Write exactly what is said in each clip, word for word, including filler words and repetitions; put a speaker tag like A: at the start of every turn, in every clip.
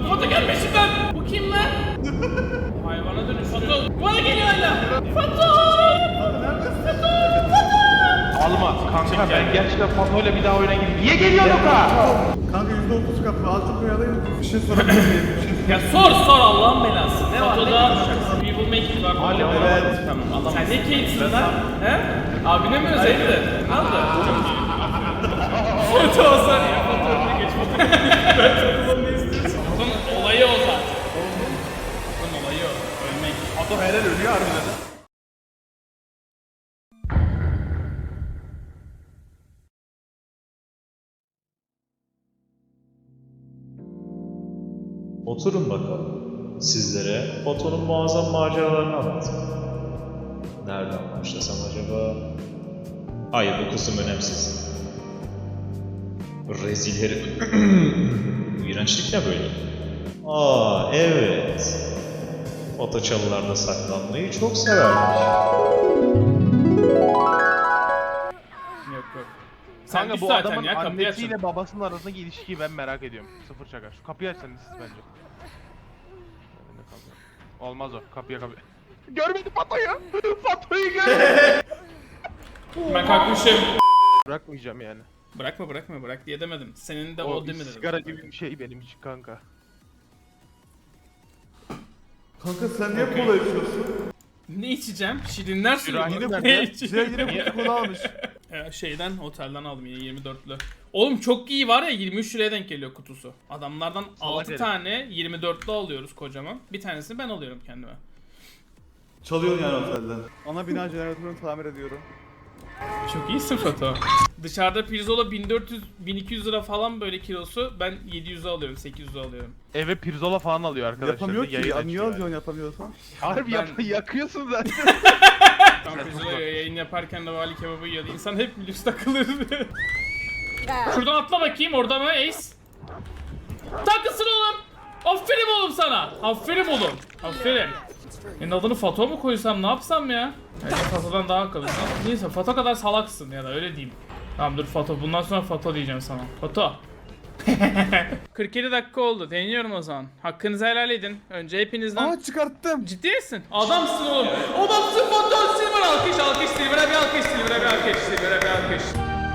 A: Lan foto gel peşimden. Bu kim lan? Hayvana dönüş. Foto. Bana geliyor hala. Foto.
B: Alma kanka, ben gerçekten Fato'yla bir daha oyuna gireyim. Niye geliyor Luka?
C: Kanka yüzde otuz kapı altı koyalım. Bir şey sorabilir miyim?
A: Ya sor sor Allah'ın belası. Ne var? Fotoda We will make it var.
B: Alo.
C: Evet.
A: Tamam Allah. Sen ne Kate'sin lan? He? Abine mi özeldi? Ne oldu? Foto olsan ya. Foto önüne geç. Foto. Ben fotodan ne istiyorsun? Fotonun olayı o zaten. Fotonun olayı o. Ölmek.
C: Ato helal ölüyor harbiden.
D: Oturun bakalım. Sizlere Foto'nun muazzam maceralarını anlatayım. Nereden başlasam acaba? Hayır, bu kısım önemsiz. Rezil herif. İğrençlik ne böyle? Aa evet. Foto çalılarda saklanmayı çok severmiş.
A: Yok yok. Sen
B: Kanka
A: düş
B: bu
A: zaten
B: adamın
A: ya kapıyı açın.
B: annesiyle babasının arasındaki ilişkiyi ben merak ediyorum. Sıfır şaka. Şu kapıyı açsanız siz bence. Önünde kalıyor. Olmaz o. Kapıya kapıya. Görmedi Fato'yu. Fato'yu görmedi.
A: Ben kalkmışım.
B: Bırakmayacağım yani.
A: Bırakma bırakma bırak diye demedim. Senin de o,
B: O
A: değil mi dedim.
B: sigara gibi bir şey benim için kanka.
C: Kanka sen niye kola içiyorsun?
A: Ne içeceğim? Şirinler suyu mu?
B: Şirahine
A: Ne
B: nerede?
A: içeceğim?
C: Size yine kutu kola almış.
A: Ee, şeyden otelden aldım yine yirmi dörtlü. Oğlum çok iyi var ya yirmi üç liraya denk geliyor kutusu. Adamlardan altı
B: herif.
A: tane yirmi dörtlü alıyoruz kocaman. Bir tanesini ben alıyorum kendime.
C: Çalıyorsun yani otelden. Ana bina jeneratörünü tamir ediyorum.
A: Çok iyisin foto. Dışarıda pirzola bin dört yüz bin iki yüz lira falan böyle kilosu. Ben yedi yüze alıyorum, sekiz yüze alıyorum.
B: Eve pirzola falan alıyor arkadaşlar.
C: Yapamıyor ki.
B: Yayın
C: Ya,
B: açıyor
C: niye
B: yani.
C: alıyorsun yapamıyorsan?
B: Harbi
A: Ben-
B: yap yakıyorsun zaten.
A: Tam pirzola yayın yaparken de vali kebabı yiyordu. İnsan hep lüks takılır. Şuradan atla bakayım orada mı Ace? Takılsın oğlum. Aferin oğlum sana. Aferin oğlum. Aferin. Senin adını Fato mu koysam ne yapsam ya? Yani Fato'dan daha akıllısın. Neyse Fato kadar salaksın ya da öyle diyeyim. Tamam dur Fato bundan sonra Fato diyeceğim sana. Fato. kırk yedi dakika oldu. Deniyorum o zaman. Hakkınızı helal edin. Önce hepinizden...
C: Aa çıkarttım.
A: Ciddi misin? Adamsın oğlum. Adamsın Fato. Silver alkış alkış. Silver'e bir alkış. Silver'e bir alkış. Silver'e bir alkış.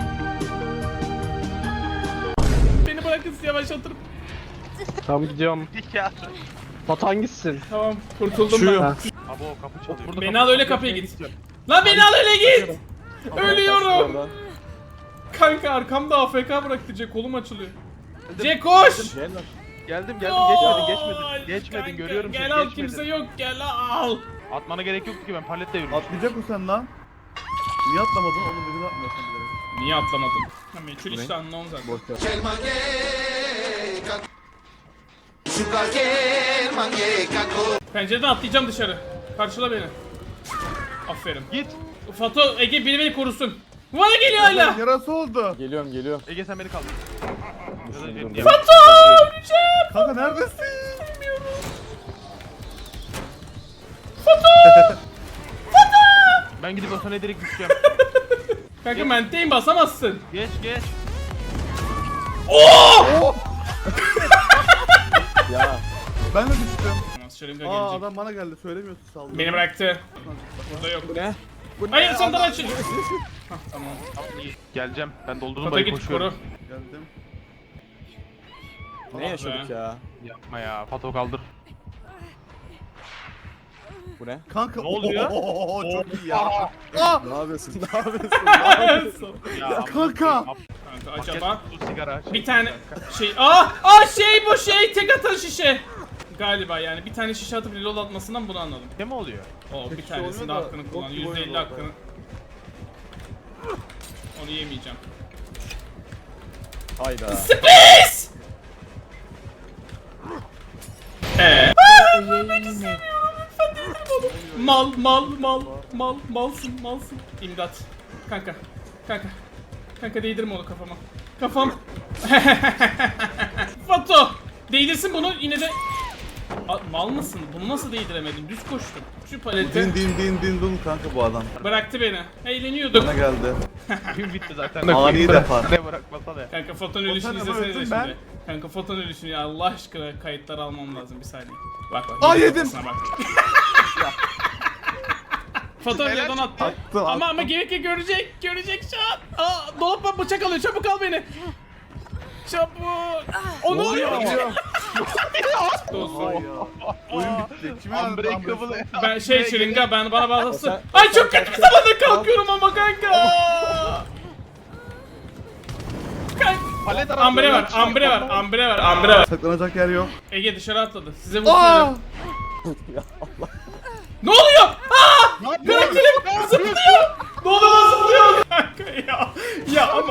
A: Beni bırakın yavaşlatırım.
E: Tamam gidiyorum.
B: ya.
E: Batu hangisisin?
A: Tamam kurtuldum
C: Şuyum.
A: ben.
B: Abi o kapı çalıyor.
A: Beni al öyle kapıya git. Lan beni al öyle git. Ölüyorum. Kanka arkamda A F K bıraktı Jack kolum açılıyor. Jack koş.
B: Geldim geldim geçmedin geçmedin. Geçmedin
A: Kanka,
B: görüyorum seni
A: Gel al
B: geçmedin.
A: kimse yok gel al.
B: Atmana gerek yoktu ki ben paletle yürümüştüm.
C: Atlayacak mısın sen lan? Niye atlamadın? Oğlum birini atmıyorsun bilerek.
A: Niye atlamadın? Ha meçhul işte anlamam zaten. Pencereden atlayacağım dışarı. Karşıla beni. Aferin.
B: Git.
A: Fato Ege biri beni korusun. Bana geliyor hala.
C: Yarası oldu.
E: Geliyorum geliyorum.
B: Ege sen beni kaldır.
A: Fato! Öleceğim.
C: Kanka neredesin?
B: Ben gidip o sana direkt düşeceğim.
A: Kanka menteyim basamazsın.
B: Geç geç.
E: Ya
C: Ben de düştüm.
A: Şırınga
C: Aa
A: gelecek.
C: adam bana geldi söylemiyorsun saldırı.
A: Beni bıraktı. Burada yok.
E: bu ne?
A: Hayır sandan açın. Hah, tamam.
B: Geleceğim. Ben doldurdum
A: Fato
B: dayı
A: git
B: koşuyorum.
A: koru.
C: Geldim.
E: Ne yaşadık
A: be.
E: ya?
B: Yapma ya. Fato kaldır.
E: Bu ne?
C: Kanka
B: Ne oluyor?
C: Oo, çok iyi ya. Aa!
E: Ne yapıyorsun? Ne yapıyorsun? Ne yapıyorsun?
B: Ya,
C: kanka.
A: Kanka
B: Paket
A: acaba
B: kutu sigara.
A: bir tane şey aa aa şey bu şey tek atan şişe. Galiba yani bir tane şişe atıp reload atmasından bunu anladım.
B: Ne mi oluyor?
A: O bir
C: şişe
A: tanesinde
C: oluyor da
A: hakkını
C: bok
A: kullan.
C: gibi
A: yüzde elli
C: oynuyor
A: hakkını. Onu yemeyeceğim.
E: Hayda.
A: Space! Eee? Mal mal mal mal malsın malsın. İmdat. Kanka. Kanka. Kanka değdirme onu kafama. Kafam. Fato. Değdirsin bunu yine de. A, mal mısın? Bunu nasıl değdiremedin? Düz koştum. Şu paleti.
C: Din din din din dun kanka bu adam.
A: Bıraktı beni. Eğleniyorduk.
C: Bana geldi.
B: Gün bitti zaten.
C: Ani defa.
B: Ne bırakmasa da.
A: Kanka foton ölüşünü
C: tane
A: izlesene de
C: öldüm
A: şimdi.
C: ben.
A: Kanka foton ölüşünü ya Allah aşkına kayıtları almam lazım bir saniye. Bak bak.
C: Aa,
A: yine
C: yedim.
A: kafasına Bak. Foton yerden attı.
C: Attım,
A: Ama ama
C: attım.
A: gerekli görecek, görecek şu an. Aa, dolaptan bıçak alıyor, çabuk al beni. Çabuk. O ne oluyor? Dostum.
C: Oyun bitti. Kime
B: Unbreakable.
A: Ben şey şırınga ben bana bağlasın.
E: Sen-
A: Ay çok kötü bir zamanda kalkıyorum ama kanka. Kanka.
B: Palet arası
A: Ambre var,
B: oynayan
A: ambre var, ambre var, ambre var.
C: Saklanacak yer yok.
A: Ege dışarı atladı. Size
C: Aa!
A: vuruyorum. Ne oluyor? Aa! Karakterim zıplıyor. Ne oluyor lan zıplıyor? Kanka ya. Ya ama.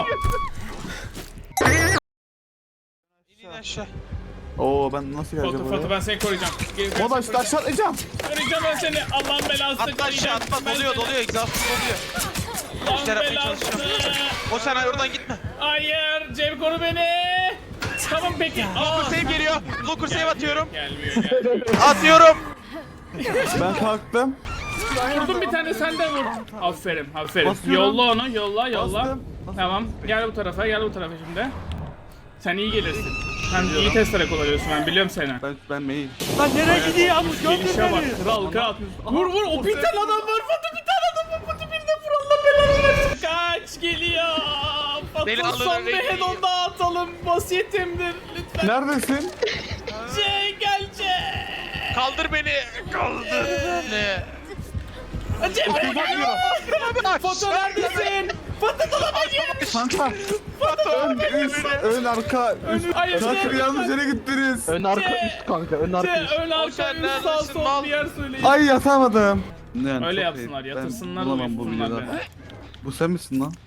C: Oo ben nasıl geleceğim
A: Foto foto
C: oraya?
A: ben seni koruyacağım. Gel, ben
C: Moda
A: seni
C: işte aşağı atlayacağım.
A: koruyacağım ben seni. Allah'ın belası.
F: Atla aşağı atla
A: Ben
F: doluyor
A: seni-
F: doluyor egzastım doluyor.
A: Allah'ın
F: İşler yapmaya
A: belası.
F: çalışacağım. O sen oradan gitme.
A: Hayır, Cem koru beni. Tamam peki. Aa.
F: Locker save geliyor. Locker save atıyorum.
A: Gelmiyor, gelmiyor.
F: Atıyorum.
C: Ben kalktım.
A: Vurdum bir tane sen de vur. Aferin, aferin.
C: Basıyorum.
A: Yolla onu, yolla, yolla.
C: Bastım.
A: Tamam, gel bu tarafa, gel bu tarafa şimdi. Sen iyi gelirsin. Sen iyi testere kullanıyorsun, ben biliyorum seni.
C: Ben ben mail.
E: Lan nereye gidiyorsun?
A: Gelişe bak, kral, kral. Vur vur, o bir tane adam var, Fatih bir tane adam var, Fatih birine vur Allah belanı versin. Kaç geliyor.
F: Beni
A: Fatih
F: alın,
A: son bir
F: beni
A: head-on daha atalım, vasiyetimdir. Lütfen.
C: Neredesin?
A: C, gel C.
F: Kaldır beni. Kaldır beni.
A: C, Fatih neredesin? Fatih dolaba gir.
C: Kanka. Ön, üst, ön, arka. Üst.
A: Hayır,
C: Kanka
A: C.
C: yanlış yere gittiniz.
E: Ön arka
A: Ce-
E: üst kanka. Ön
A: C,
E: arka üst.
A: ön arka,
F: sen
A: üst, sağ
F: neredesin,
A: sol
F: mal?
A: bir yer söyleyin.
C: Ay yatamadım. Yani
A: Öyle
C: çok
A: yapsınlar,
C: ayıp.
A: yatırsınlar,
C: Ben bulamam bu
A: uyusunlar
C: videoda.
A: beni.
C: Bu sen misin lan?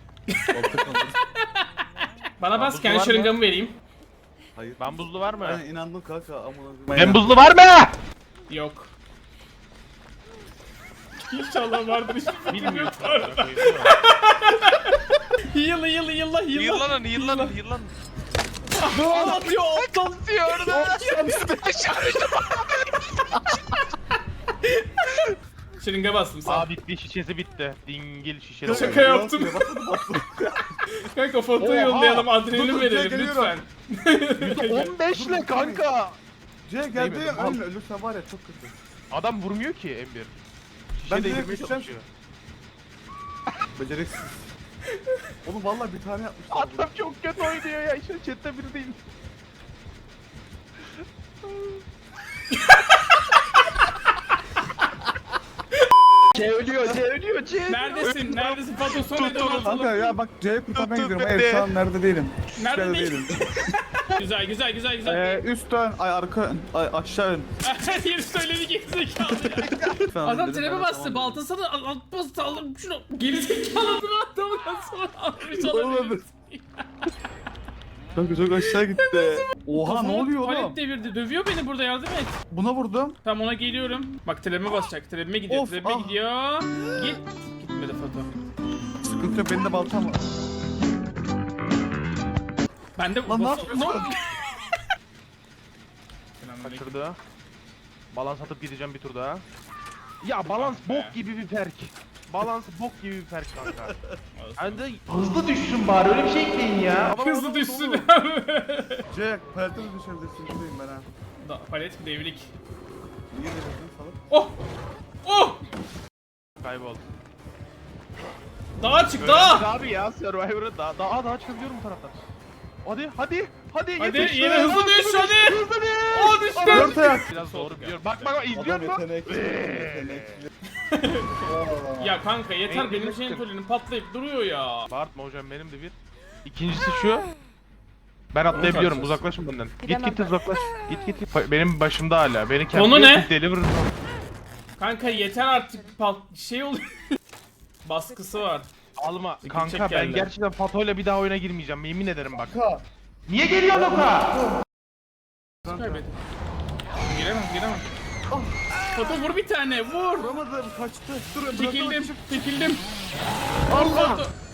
A: Bana bas,
B: buzlu
A: kendi
B: var mı?
A: şırıngamı vereyim.
C: Hayır.
B: Ben buzlu var mı?
C: Ben inandım kanka amına.
B: Ben buzlu var mı?
A: Yok. İnşallah vardır hiçbir
B: Bilmiyorum.
A: Yılla yılla yılla yılla.
F: Yıllanın yıllanın yıllanın.
A: Ne atıyor aptal.
F: Atıyor orada.
A: Şırınga bastım sağ.
B: Aa bitti şişesi bitti. Dingil şişesi.
A: Şaka yaptım. Kanka fotoğrafı
B: Oha.
A: yollayalım, adrenalin
C: Dur, dur,
A: verelim
C: geliyorum.
A: lütfen.
B: on beş ile kanka.
C: C geldi
B: Değmedi,
C: ya
B: mal.
C: ölme ölürsen var ya çok kötü.
B: Adam vurmuyor ki M bir.
C: Ben
B: Şişe
C: direkt
B: değdirmeye
C: düşeceğim.
B: çalışıyor.
C: Beceriksiz. Oğlum vallahi bir tane yapmışlar.
B: Adam çok kötü oynuyor ya. İşte chatte biri değil.
E: C ölüyor, C ölüyor, C.
A: Neredesin? Neredesin? Foto son edon
C: Kanka
A: atalım.
C: ya bak C'ye kurtarmaya
F: Tut,
C: gidiyorum.
F: tut
C: Hayır
F: beni.
C: şu an nerede değilim.
A: Nerede
C: Nerede
A: değilim?
C: değilim.
A: Güzel güzel güzel güzel.
C: Ee, üst ön, ay arka ön, ay aşağı ön.
A: Her yeri söyledi gerizekalı ya.
C: Lütfen
A: Adam
C: dedim,
A: trebe
C: ben
A: bastı,
C: tamam
A: baltasını atması aldım şunu. Gerizekalı bir adamdan sonra almış olabilir.
C: dedim. Kanka çok aşağı gitti. Oha ne oluyor oğlum?
A: Palet devirdi, dövüyor beni burada, yardım et.
C: Buna vurdum.
A: Tamam ona geliyorum. Bak trebime basacak, trebime gidiyor,
C: Of,
A: trebime
C: ah.
A: gidiyor. Git. Gitmedi foto.
C: Sıkıntı yok benim de baltam var.
A: Ben de
C: Lan ne
A: bas-
C: yapıyorsun?
B: Kaçırdı. Balans atıp gideceğim bir tur daha. Ya balans bok gibi bir perk. Balans bok gibi bir perk kanka. Hani de hızlı düşsün bari öyle bir şey ekleyin ya.
A: Hızlı düşsün.
C: C, palete de düşebilirsin. Buradayım ben ha.
A: Da- Palet devrik.
C: Niye devirdin salak?
A: Oh! Oh!
B: Kaybol.
A: Dağa çık,
B: Öğrendik
A: dağa!
B: abi ya Survivor'ı daha daha daha çıkabiliyorum bu taraftan. Hadi hadi hadi
A: Hadi
B: yetiş.
A: yine hızlı düş, hadi!
B: Hızlı düş.
A: Oh düştüm!
C: Dört ayak.
B: Biraz doğru biliyorum. Bak bak bak izliyor
C: Adam
B: musun?
C: yetenekli. Yetenekli.
A: Ya kanka yeter,
B: Neydi,
A: benim
B: ne
A: şeyin
B: çıktı?
A: tolinin patlayıp duruyor ya.
B: Bağırtma hocam benim de bir. İkincisi şu. Ben atlayabiliyorum.
A: Nasıl
B: Uzaklaşın benden. Git
G: Gidemem
B: git
G: ben.
B: uzaklaş. Git git. git. Benim başımda hala. Beni kendi
A: Konu ne?
B: deliver.
A: Kanka yeter artık, pat şey oluyor. Baskısı var.
B: Alma.
A: İki
B: Kanka
A: çek
B: ben
A: geldi.
B: gerçekten Fato'yla bir daha oyuna girmeyeceğim. Yemin ederim bak.
C: Kanka.
B: Niye geliyorsun Oka?
A: Kaybettim. Giremem, giremem. Foto vur bir tane, vur!
C: Vuramadım kaçtı. Dur
A: Çekildim, çekildim. Allah!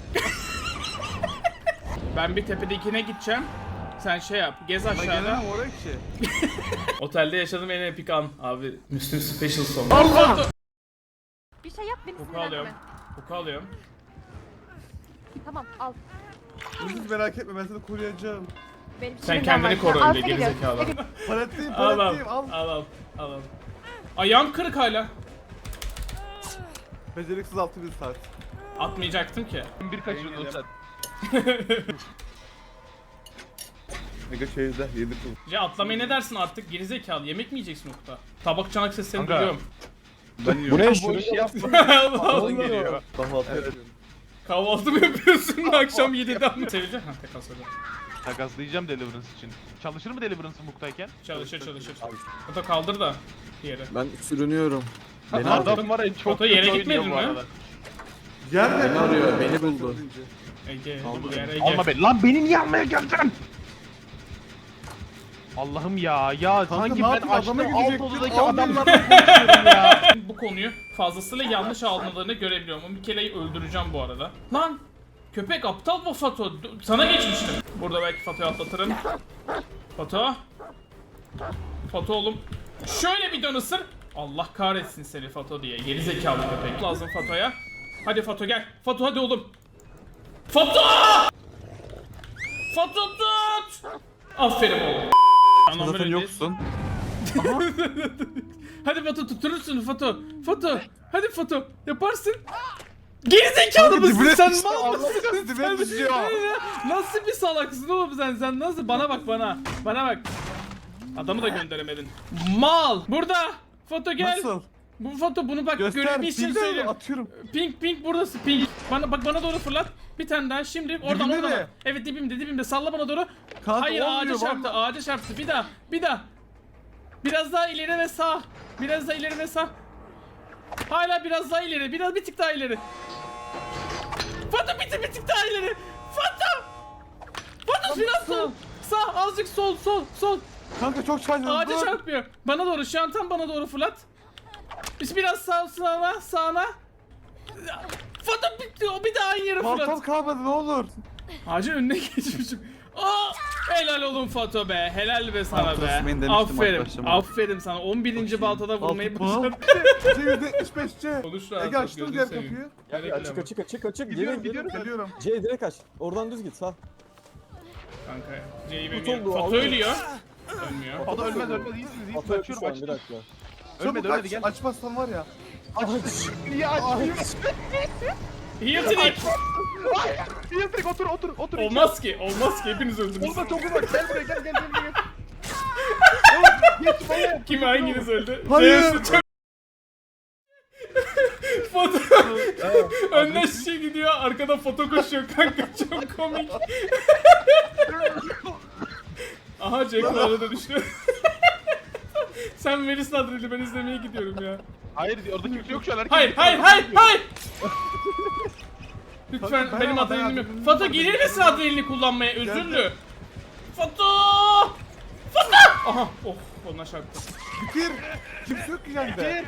A: Ben bir tepedekine gideceğim. Sen şey yap, gez
C: Ben
A: aşağıda.
C: gelemem oraya ki.
A: Otelde yaşadığım en epik an. Abi, Müslüm Special Song. Allah!
G: Bir şey yap beni
A: Koku
G: sinirlendirme.
A: alıyorum. Koku alıyorum.
G: Tamam al.
C: Hiç merak etme ben seni koruyacağım.
G: Benim
A: Sen
G: şimdiden
A: kendini
G: var.
A: koru
G: Al
A: öyle
G: seni gör.
A: gerizekalı.
C: Paletteyim
A: Al al
C: paletteyim al.
A: al al al al. Ayağım kırık hala.
C: Beceriksiz altı bin saat.
A: Atmayacaktım ki.
B: Bir kaçırdın sen.
C: Mega şeyde yedi kıl.
A: Ya atlamaya ne dersin artık gerizekalı? Yemek mi yiyeceksin Okta? Tabak çanak seslerini
B: Kanka.
A: duyuyorum.
C: Ben yiyorum.
E: Bu ne
B: Bu
E: şunu
B: işi yapma.
A: Allah Allah.
B: geliyor.
C: Kahvaltı yapıyorum.
A: Kahvaltı mı yapıyorsun akşam yediden mi? Sevecek ha tek asırda.
B: Takaslayacağım Deliverance için. Çalışır mı Deliverance Muk'tayken?
A: Çalışır çalışır. Foto kaldır da yere.
E: Ben sürünüyorum. Beni,
B: Adam var ya çok
A: Foto yere
B: kötü
A: gitmedin
B: oynuyor bu
A: mi?
B: arada.
C: Yer
E: beni arıyor, beni buldu.
A: Ege,
E: Kaldır
A: bu yer
E: beni.
A: Ege.
B: Alma beni. Lan beni niye almaya geldin? Allah'ım ya. Ya sanki
C: ne
B: ben
C: yapayım, adama
B: açtım alt
C: gidecektim,
B: odadaki
C: almıyorum.
B: adamlarla konuşuyorum ya.
A: Bu konuyu fazlasıyla yanlış almalarını görebiliyorum. O Mikele'yi öldüreceğim bu arada. Lan! Köpek aptal mı Fato? D- Sana geçmiştim. Burada belki Fato'yu atlatırım. Fato. Fato oğlum. Şöyle bir dön ısır. Allah kahretsin seni Fato diye. Geri zekalı köpek. Lazım Fato'ya. Hadi Fato gel. Fato hadi oğlum. Fato! Fato tut! Aferin oğlum. Anam
C: Zaten
A: böyle
C: yoksun.
A: Hadi Fato tutturursun Fato. Fato. Hadi Fato. Yaparsın. Gerizekalı mısın
C: dibine
A: sen?
C: düştü,
A: Mal
C: Allah
A: mısın
C: kahretsin, dibine
A: sen?
C: düşüyor.
A: Nasıl bir salaksın oğlum sen? Sen nasıl? Bana bak bana. Bana bak. Adamı da gönderemedin. Mal. Burada. Foto gel.
C: Nasıl?
A: Bu foto bunu bak
C: Göster.
A: görebilirsin
C: Bilmiyorum,
A: söylüyorum.
C: atıyorum.
A: Pink pink buradası pink. Bana bak bana doğru fırlat. Bir tane daha şimdi oradan
C: Dibinde
A: oradan.
C: mi?
A: Evet dibimde dibimde salla bana doğru.
C: Kanka,
A: Hayır
C: olmuyor,
A: ağaca çarptı
C: vallahi.
A: ağaca çarptı. Bir daha bir daha. Biraz daha ileri ve sağ. Biraz daha ileri ve sağ. Hala biraz daha ileri. Biraz bir tık daha ileri. Foto bir tık bir tık daha ileri. Foto. Foto biraz sol. Sağ azıcık sol sol sol.
C: Kanka çok çarptın.
A: Ağaca çarpmıyor. Bana doğru şu an tam bana doğru fırlat. Biz biraz sağ sağına sağına. Foto bitti o bir daha aynı yere
C: Baltam
A: fırlat.
C: kalmadı ne olur.
A: Ağacın önüne geçmişim. Aa, helal olun Fato be. Helal be sana
C: Baltam
A: be.
C: ısınmayın demiştim
A: Aferin.
C: arkadaşlar.
A: Aferin sana. on birinci baltada vurmayı
C: Baltam.
A: başardın.
C: C yüzde yetmiş beş C.
A: Konuş rahat.
C: Ege
A: ol,
C: açtım
A: gözünü
C: diğer
A: seveyim.
C: kapıyı.
A: Gerekli
E: Açık
A: ama.
E: açık açık açık.
C: Gidiyorum
E: Gelin
C: gidiyorum
E: gelin.
C: geliyorum.
E: C direkt aç. Oradan düz git sağ.
A: Kanka C'yi
E: Tut
A: bilmiyorum.
E: oldu,
A: Fato
E: aldı.
A: ölüyor. Ölmüyor.
B: O da ölmez ölmez iyisiniz iyisiniz
E: Atı öldü
B: açıyorum
E: şu an bir
B: açtım.
E: dakika.
B: Ölmedi
C: Çabuk
B: ölmedi
C: aç,
B: gel.
C: açmazsan var ya.
B: Niye açmayayım?
A: Yetenek.
B: Niye direkt otur otur otur.
A: Olmaz ki. Olmaz ki. Hepiniz öldünüz.
B: Olma çok uzak gel buraya gel gel gel gel. Oğlum, geç buraya.
A: Kim hanginiz öldü?
C: Hayır.
A: Zeus'u çok... Foto... Önden şişe gidiyor, arkada foto koşuyor kanka çok komik. Aha Jack arada düştü. Sen verirsin adreli ben izlemeye gidiyorum ya.
B: Hayır orada kimse yok şu an. herkes-
A: Hayır hayır hayır hayır. Lütfen
C: Kanka,
A: benim
C: dayan, dayan.
A: adrenalini yok. Foto gelir misin adrenalini kullanmaya özürlü? Foto! Foto! Aha oh ona çarptı.
C: Bitir. Kimse yok ki sende.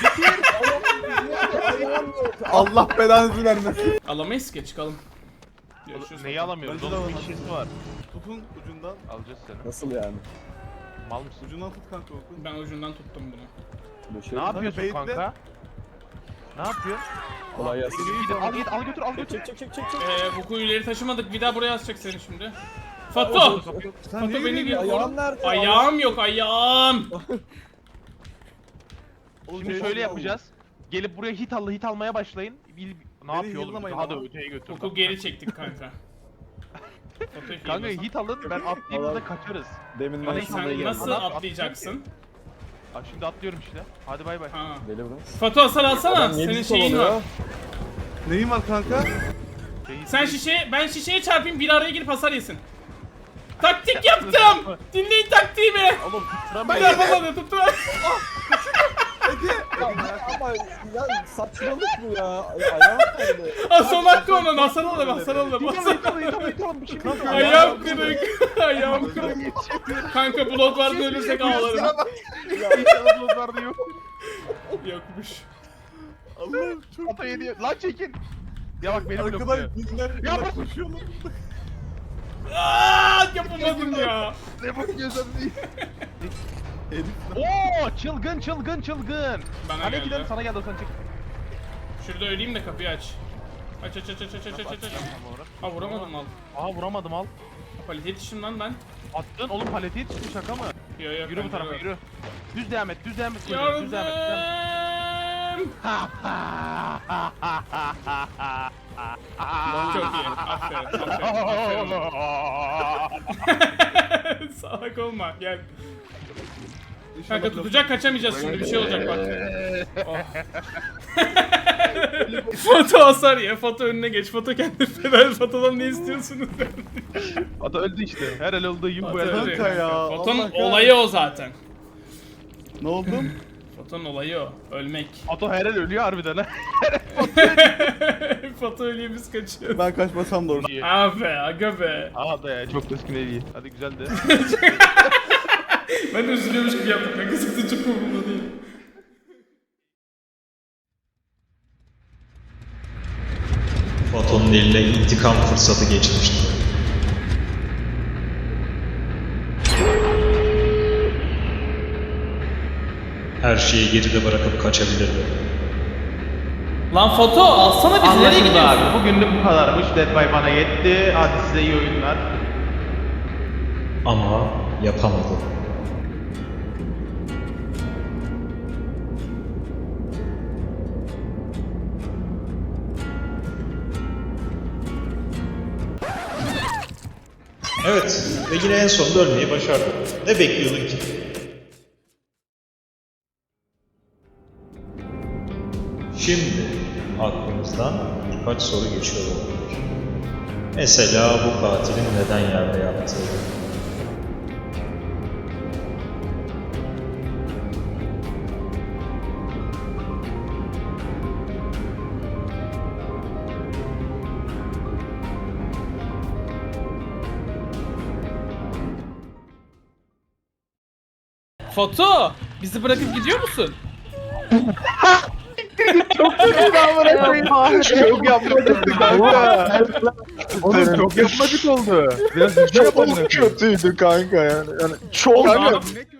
C: Allah belanızı vermesin.
A: Alamayız ki çıkalım. Görüşürüz.
B: Neyi alamıyoruz?
C: Bence de
B: Onun bir
C: alamam.
B: şişesi var.
C: Tutun ucundan.
B: Alacağız seni.
E: Nasıl yani?
B: Mal mısın?
C: Ucundan tut kanka oku.
A: Ben ucundan tuttum bunu.
E: Bu şey.
B: Ne yapıyorsun
C: Kanka,
B: kanka? Ne yapıyorsun?
E: Kolay gelsin.
B: Gidin, al git al götür al götür.
E: Çek çek çek çek çek.
A: Ee, bu kuyuları taşımadık. Bir daha buraya asacak seni şimdi. Fato!
C: Sen
A: Fato
C: niye
A: beni
C: yürüyorsun?
A: bir
E: Ayağım nerede?
A: Ayağım yok ayağım.
B: Şimdi şöyle yapacağız. Gelip buraya hit al hit almaya başlayın. Bil, ne yapıyor oğlum?
C: heal'lamayın
B: Daha da
C: ama.
B: öteye götür.
A: Koku geri çektik kanka. Fato'yu
B: Kanka
A: heal'lasam.
B: hit alın ben atlayayım
E: Tamam.
B: da kaçarız.
E: Demin
B: Bana
E: ben
B: hiç
E: şuraya
A: Sen
E: geldim.
A: nasıl
B: Bana
A: atlayacaksın?
B: Aa, şimdi atlıyorum işte. Hadi bay bay.
A: Ha.
E: Deliverance.
A: Fato hasar alsana.
E: Adam niye
A: Senin
E: biz
A: şeyin
E: kovalıyor?
A: var.
C: Neyin var kanka?
A: Sen şişeye, ben şişeye çarpayım bir araya girip hasar yesin. Taktik yaptım. Dinleyin taktiğimi.
B: Oğlum
A: Ben
B: tutturamayız.
A: yapamadım tuttum.
E: Ama ya saçmalık bu ya. Ay- Ayağım nerede?
A: Ha son hakkı onun hasar alalım hasar alalım.
B: Tamam tamam tamam tamam bir şey yok.
A: Ayağım kırık. Ayağım kırık. Kanka blok vardı ölürsek ağlarım.
B: İnşallah bulutlarda yok.
A: Yokmuş.
C: Allah'ım çok
B: Ata yedi. Lan çekin. Ya bak beni blokluyor.
C: arkadan bizler
B: Ya
C: ya
B: bak-
C: koşuyorlar.
A: Aa, yapamadım ya.
B: Ne bakıyorsun?
C: Herif
B: Oo çılgın çılgın çılgın.
A: Bana
B: Hani
A: geldi.
B: gidelim sana geldi o sen çek.
A: Şurada öleyim de kapıyı aç. Aç aç aç aç aç aç aç aç.
B: Tam olarak.
A: Ha vuramadım al.
B: Aha vuramadım al.
A: Palete yetiştim lan ben.
B: Attın oğlum paleti yetişti şaka mı?
A: Yo yo.
B: Yürü bu tarafa yürü. Düz devam et düz devam et. Düz
A: Yardım.
B: devam et. Düz devam et.
A: Çok iyi. Aferin. Aferin. Aferin. Salak olma gel. Kanka tutacak kaçamayacağız şimdi bir şey olacak bak. Oh. Foto hasar ya. Foto önüne geç. Foto kendi feder. Fotodan ne istiyorsunuz?
B: Ata öldü işte. Her el olduğu gibi bu
A: Foto
B: el
A: öldü.
B: öldü.
C: Kanka ya,
A: Fotonun
C: Allah kahretsin.
A: olayı o zaten.
C: Ne oldu?
A: Fotonun olayı o. Ölmek.
B: Ato her el ölüyor harbiden ha.
A: Foto ölüyor biz kaçıyoruz.
C: Ben kaçmasam da orada.
A: Abi aga be.
B: Aha da ya çok keskin el iyi. Hadi güzeldi.
A: Ben de üzülüyormuş gibi yaptım. Ne kızıktı çok umurumda değil.
D: Foton'un eline intikam fırsatı geçmişti. Her şeyi geride bırakıp kaçabilirdi.
A: Lan foto alsana bizi nereye
B: Anlaşıldı
A: gidiyorsun?
B: abi. Bugünlük bu kadarmış. Dead by bana yetti. Hadi size iyi oyunlar.
D: Ama yapamadı. Evet ve yine en sonunda ölmeyi başardı. Ne bekliyordun ki? Şimdi aklımızdan birkaç soru geçiyor olabilir. Mesela bu katilin neden yerde yaptığı.
A: Foto bizi bırakıp gidiyor musun?
B: Çok yapmadık kanka. Oğlum çok yapmadık oldu. Biraz hızlı yapalım.
E: Kötüydü kanka yani. Yani çok
C: Kanka,